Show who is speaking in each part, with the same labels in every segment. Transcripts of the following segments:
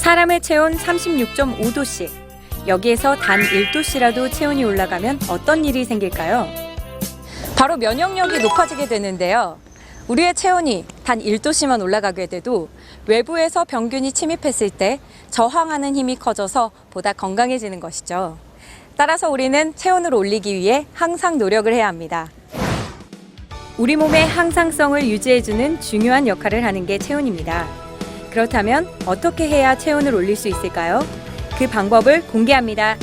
Speaker 1: 사람의 체온 36.5도씨. 여기에서 단 1도씨라도 체온이 올라가면 어떤 일이 생길까요? 바로 면역력이 높아지게 되는데요. 우리의 체온이 단 1도씨만 올라가게 돼도 외부에서 병균이 침입했을 때 저항하는 힘이 커져서 보다 건강해지는 것이죠. 따라서 우리는 체온을 올리기 위해 항상 노력을 해야 합니다. 우리 몸의 항상성을 유지해주는 중요한 역할을 하는 게 체온입니다. 그렇다면 어떻게 해야 체온을 올릴 수 있을까요? 그 방법을 공개합니다.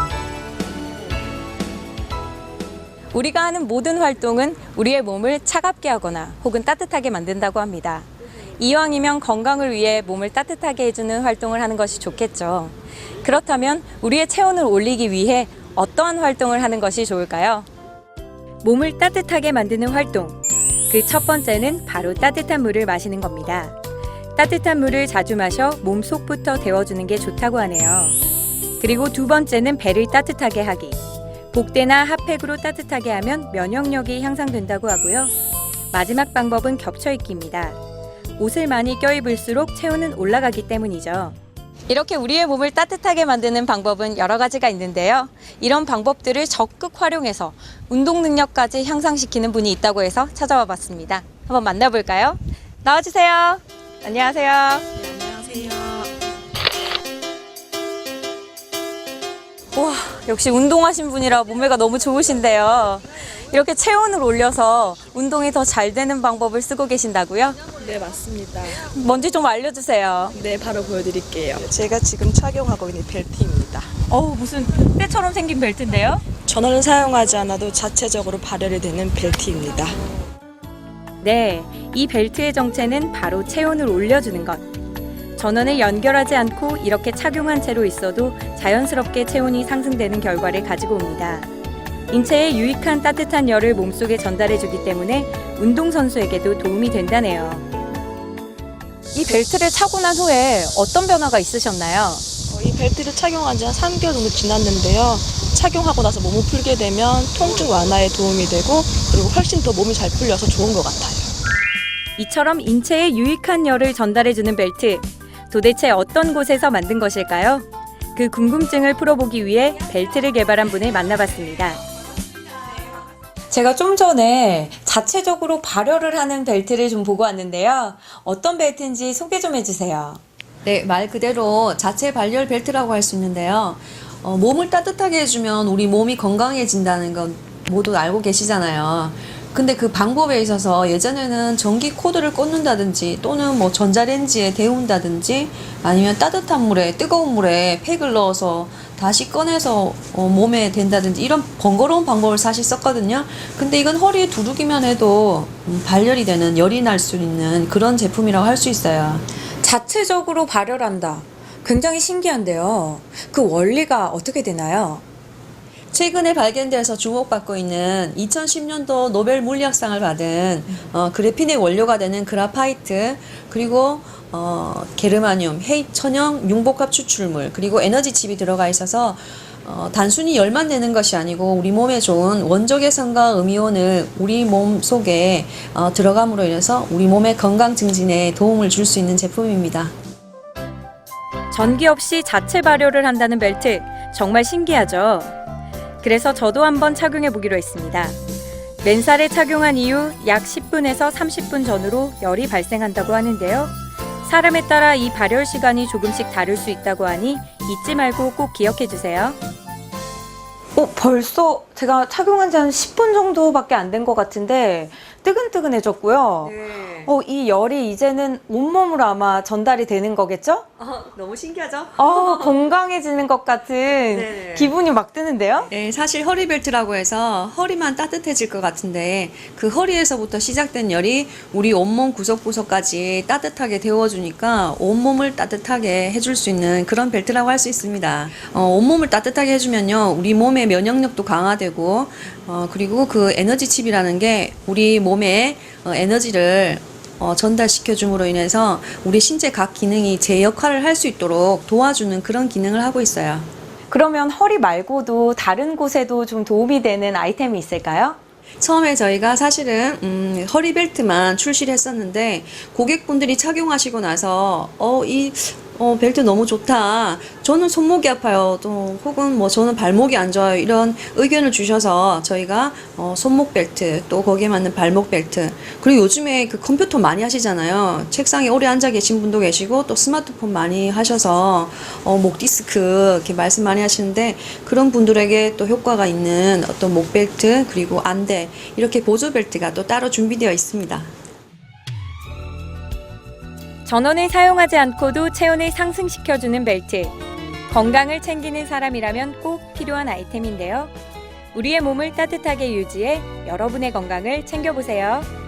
Speaker 1: 우리가 하는 모든 활동은 우리의 몸을 차갑게 하거나 혹은 따뜻하게 만든다고 합니다. 이왕이면 건강을 위해 몸을 따뜻하게 해주는 활동을 하는 것이 좋겠죠. 그렇다면 우리의 체온을 올리기 위해 어떠한 활동을 하는 것이 좋을까요? 몸을 따뜻하게 만드는 활동. 그 첫 번째는 바로 따뜻한 물을 마시는 겁니다. 따뜻한 물을 자주 마셔 몸속부터 데워주는 게 좋다고 하네요. 그리고 두 번째는 배를 따뜻하게 하기. 복대나 핫팩으로 따뜻하게 하면 면역력이 향상된다고 하고요. 마지막 방법은 겹쳐입기입니다. 옷을 많이 껴입을수록 체온은 올라가기 때문이죠. 이렇게 우리의 몸을 따뜻하게 만드는 방법은 여러 가지가 있는데요. 이런 방법들을 적극 활용해서 운동 능력까지 향상시키는 분이 있다고 해서 찾아와 봤습니다. 한번 만나볼까요? 나와주세요. 안녕하세요.
Speaker 2: 네, 안녕하세요.
Speaker 1: 와, 역시 운동하신 분이라 몸매가 너무 좋으신데요. 이렇게 체온을 올려서 운동이 더 잘 되는 방법을 쓰고 계신다고요?
Speaker 2: 네, 맞습니다.
Speaker 1: 뭔지 좀 알려주세요.
Speaker 2: 네, 바로 보여드릴게요. 제가 지금 착용하고 있는 벨트입니다.
Speaker 1: 무슨 때처럼 생긴 벨트인데요?
Speaker 2: 전원을 사용하지 않아도 자체적으로 발열이 되는 벨트입니다.
Speaker 1: 네, 이 벨트의 정체는 바로 체온을 올려주는 것. 전원을 연결하지 않고 이렇게 착용한 채로 있어도 자연스럽게 체온이 상승되는 결과를 가지고 옵니다. 인체에 유익한 따뜻한 열을 몸속에 전달해주기 때문에 운동선수에게도 도움이 된다네요. 이 벨트를 차고 난 후에 어떤 변화가 있으셨나요?
Speaker 2: 이 벨트를 착용한 지 한 3개월 정도 지났는데요. 착용하고 나서 몸을 풀게 되면 통증 완화에 도움이 되고 그리고 훨씬 더 몸이 잘 풀려서 좋은 것 같아요.
Speaker 1: 이처럼 인체에 유익한 열을 전달해주는 벨트. 도대체 어떤 곳에서 만든 것일까요? 그 궁금증을 풀어보기 위해 벨트를 개발한 분을 만나봤습니다. 제가 좀 전에 자체적으로 발열을 하는 벨트를 좀 보고 왔는데요. 어떤 벨트인지 소개 좀 해주세요.
Speaker 3: 네, 말 그대로 자체 발열 벨트라고 할 수 있는데요. 몸을 따뜻하게 해주면 우리 몸이 건강해진다는 건 모두 알고 계시잖아요. 근데 그 방법에 있어서 예전에는 전기 코드를 꽂는다든지 또는 뭐 전자레인지에 데운다든지 아니면 따뜻한 물에 뜨거운 물에 팩을 넣어서 다시 꺼내서 몸에 댄다든지 이런 번거로운 방법을 사실 썼거든요. 근데 이건 허리에 두르기만 해도 발열이 되는 열이 날 수 있는 그런 제품이라고 할 수 있어요.
Speaker 1: 자체적으로 발열한다. 굉장히 신기한데요. 그 원리가 어떻게 되나요?
Speaker 3: 최근에 발견돼서 주목받고 있는 2010년도 노벨 물리학상을 받은 그래핀의 원료가 되는 그라파이트 그리고 게르마늄, 천연 융복합 추출물 그리고 에너지 칩이 들어가 있어서 단순히 열만 내는 것이 아니고 우리 몸에 좋은 원적외선과 음이온을 우리 몸 속에 들어감으로 인해서 우리 몸의 건강 증진에 도움을 줄 수 있는 제품입니다.
Speaker 1: 전기 없이 자체 발열을 한다는 벨트. 정말 신기하죠? 그래서 저도 한번 착용해 보기로 했습니다. 맨살에 착용한 이후 약 10분에서 30분 전후로 열이 발생한다고 하는데요. 사람에 따라 이 발열 시간이 조금씩 다를 수 있다고 하니 잊지 말고 꼭 기억해 주세요. 벌써 제가 착용한 지 한 10분 정도밖에 안 된 것 같은데 뜨근뜨근해졌고요.
Speaker 3: 네.
Speaker 1: 이 열이 이제는 온몸으로 아마 전달이 되는 거겠죠?
Speaker 3: 너무 신기하죠?
Speaker 1: 건강해지는 것 같은
Speaker 3: 네네.
Speaker 1: 기분이 막 드는데요?
Speaker 3: 네, 사실 허리벨트라고 해서 허리만 따뜻해질 것 같은데 그 허리에서부터 시작된 열이 우리 온몸 구석구석까지 따뜻하게 데워주니까 온몸을 따뜻하게 해줄 수 있는 그런 벨트라고 할 수 있습니다. 온몸을 따뜻하게 해주면요, 우리 몸의 면역력도 강화되고 그리고 그 에너지 칩이라는 게 우리 몸에 에너지를 전달시켜 줌으로 인해서 우리 신체 각 기능이 제 역할을 할 수 있도록 도와주는 그런 기능을 하고 있어요.
Speaker 1: 그러면 허리 말고도 다른 곳에도 좀 도움이 되는 아이템이 있을까요?
Speaker 3: 처음에 저희가 사실은 허리벨트만 출시를 했었는데 고객분들이 착용하시고 나서 이 벨트 너무 좋다. 저는 손목이 아파요. 또 혹은 뭐 저는 발목이 안 좋아요. 이런 의견을 주셔서 저희가 손목 벨트 또 거기에 맞는 발목 벨트 그리고 요즘에 그 컴퓨터 많이 하시잖아요. 책상에 오래 앉아 계신 분도 계시고 또 스마트폰 많이 하셔서 목 디스크 이렇게 말씀 많이 하시는데 그런 분들에게 또 효과가 있는 어떤 목 벨트 그리고 안대 이렇게 보조 벨트가 또 따로 준비되어 있습니다.
Speaker 1: 전원을 사용하지 않고도 체온을 상승시켜주는 벨트. 건강을 챙기는 사람이라면 꼭 필요한 아이템인데요. 우리의 몸을 따뜻하게 유지해 여러분의 건강을 챙겨보세요.